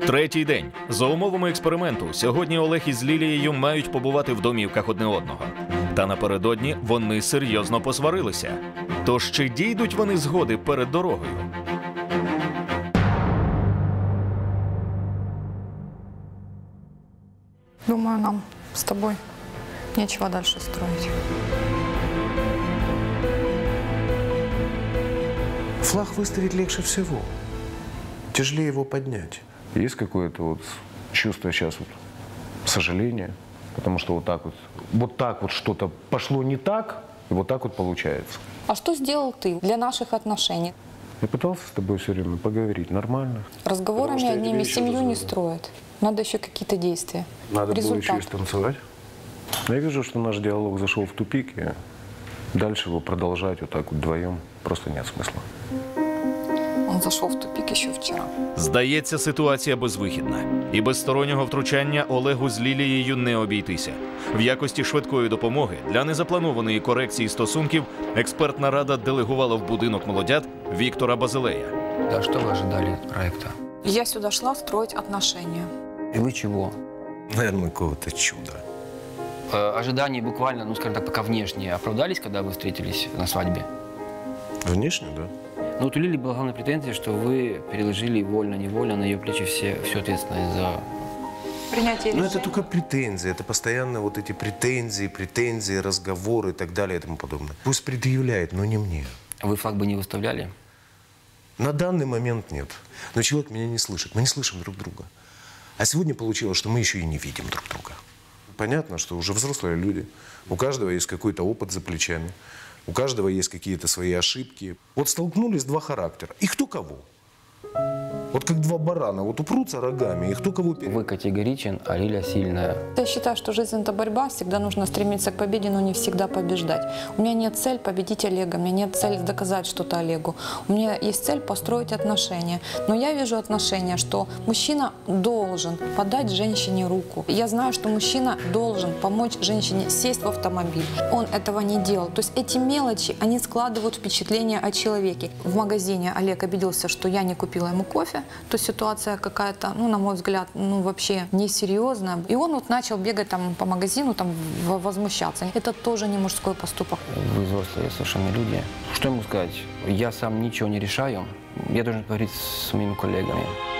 Третій день. За умовами експерименту, сьогодні Олег із Лілією мають побувати в домівках одне одного. Та напередодні вони серйозно посварилися. Тож чи дійдуть вони згоди перед дорогою? Думаю, нам с тобой нечего дальше строить. Флаг выставить легче всего. Тяжелее его поднять. Есть какое-то вот чувство сейчас вот сожаления, потому что вот так вот что-то пошло не так, и вот так вот получается. А что сделал ты для наших отношений? Я пытался с тобой все время поговорить нормально. Разговорами одними семью не строят. Надо еще какие-то действия. Надо было Результат. еще и станцевать. Но я вижу, что наш диалог зашел в тупик, и дальше его продолжать вот так вот вдвоем просто нет смысла. Он зашел в тупик еще вчера. Здається, ситуація безвихідна. І без стороннього втручання Олегу з Лілією не обійтися. В якості швидкої допомоги для незапланованої корекції стосунків експертна рада делегувала в будинок молодят Віктора Базилея. Да, что вы ожидали от проекта? Я сюда шла строить отношения. И вы чего? Наверное, какого-то чуда. Ожидания буквально, ну скажем так, пока внешние, оправдались, когда вы встретились на свадьбе? Внешне, да. Ну вот у Лили была главная претензия, что вы переложили вольно-невольно на ее плечи всю ответственность за... Принятие Но решений. это только претензии. Это постоянно вот эти претензии, разговоры и так далее и тому подобное. Пусть предъявляет, но не мне. Вы флаг бы не выставляли? На данный момент нет. Но человек меня не слышит. Мы не слышим друг друга. А сегодня получилось, что мы еще и не видим друг друга. Понятно, что уже взрослые люди. У каждого есть какой-то опыт за плечами. У каждого есть какие-то свои ошибки. Вот столкнулись два характера. И кто кого? Вот как два барана. Вот упрутся рогами, и кто кого перед. Вы категоричен, а Лиля сильная. Я считаю, что жизнь – это борьба. Всегда нужно стремиться к победе, но не всегда побеждать. У меня нет цели победить Олега, у меня нет цели доказать что-то Олегу. У меня есть цель построить отношения. Но я вижу отношения, что мужчина должен подать женщине руку. Я знаю, что мужчина должен помочь женщине сесть в автомобиль. Он этого не делал. То есть эти мелочи, они складывают впечатление о человеке. В магазине Олег обиделся, что я не купила ему кофе. То есть ситуация какая-то, ну, на мой взгляд, ну, вообще несерьезная. И он вот начал бегать там по магазину, там, возмущаться. Это тоже не мужской поступок. Вы взрослые совершенно люди. Что ему сказать? Я сам ничего не решаю. Я должен поговорить с моими коллегами.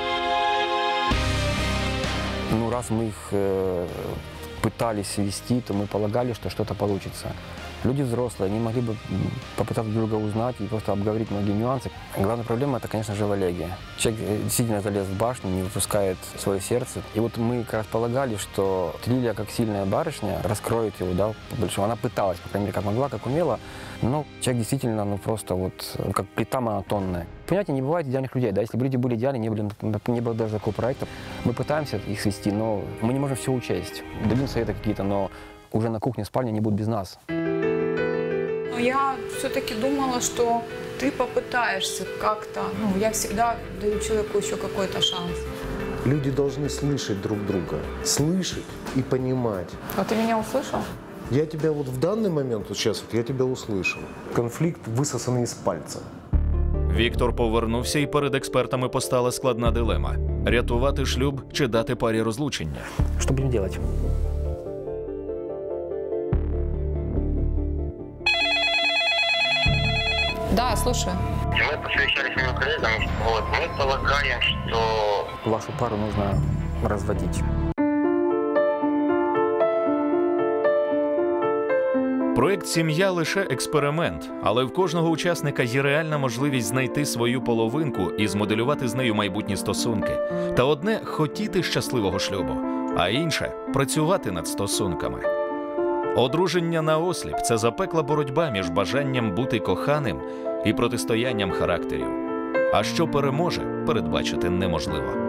Ну, раз мы их пытались вести, то мы полагали, что что-то получится. Люди взрослые, они могли бы попытаться друг друга узнать и просто обговорить многие нюансы. Главная проблема – это, конечно же, в Олеге. Человек действительно залез в башню, не выпускает свое сердце. И вот мы как раз полагали, что Лилия, как сильная барышня, раскроет его, да, по-большому. Она пыталась, по крайней мере, как могла, как умела. Но человек действительно, ну, просто вот как плита монотонная. Понимаете, не бывает идеальных людей, да, если бы люди были идеальны, не было даже такого проекта. Мы пытаемся их свести, но мы не можем все учесть. Дадим советы какие-то, но уже на кухне, спальне они будут без нас. Но я все-таки думала, что ты попытаешься как-то. Ну, я всегда даю человеку еще какой-то шанс. Люди должны слышать друг друга. Слышать и понимать. А ты меня услышал? Я тебя вот в данный момент, вот сейчас, вот я тебя услышал. Конфликт высосанный из пальца. Віктор повернувся, і перед експертами постала складна дилема – рятувати шлюб чи дати парі розлучення. Что будем делать? Да, я слушаю. Мы посвящались с моим коллегам, вот, мы полагаем, что Вашу пару нужно разводить. Проект «Сім'я» – лише експеримент, але в кожного учасника є реальна можливість знайти свою половинку і змоделювати з нею майбутні стосунки. Та одне – хотіти щасливого шлюбу, а інше – працювати над стосунками. Одруження наосліп – це запекла боротьба між бажанням бути коханим і протистоянням характерів. А що переможе, передбачити неможливо.